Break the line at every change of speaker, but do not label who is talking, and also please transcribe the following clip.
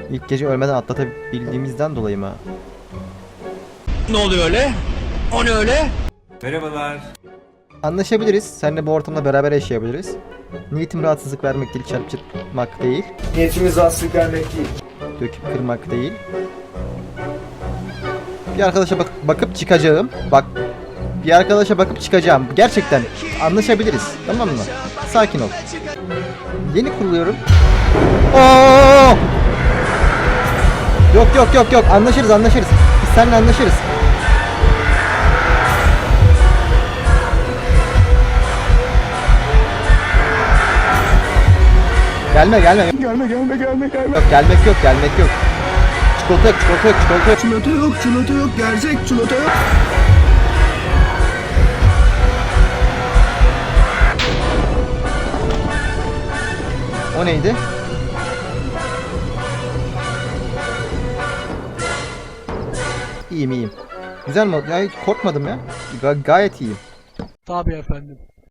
İlk gece ölmeden atlatabildiğimizden dolayı mı?
Ne oluyor öyle? O ne öyle?
Merhabalar.
Anlaşabiliriz. Seninle bu ortamda beraber yaşayabiliriz. Niyetim rahatsızlık vermek değil, çarpıtmak değil,
Niyetimiz rahatsızlık vermek değil.
döküp kırmak değil. Bir arkadaşa bakıp çıkacağım. Bak, bir arkadaşa bakıp çıkacağım. Gerçekten anlaşabiliriz. Tamam mı? Sakin ol. Yeni kuruluyorum. Oo! Yok. Anlaşırız. Biz seninle anlaşırız. Gelme.
Gelme.
Yok, gelmek yok. Çikolata yok.
Çikolata yok, gerçek çikolata yok.
O neydi? İyiyim. Güzel mi oldu? Ya hiç korkmadım ya. Gayet iyiyim.
Tabii efendim.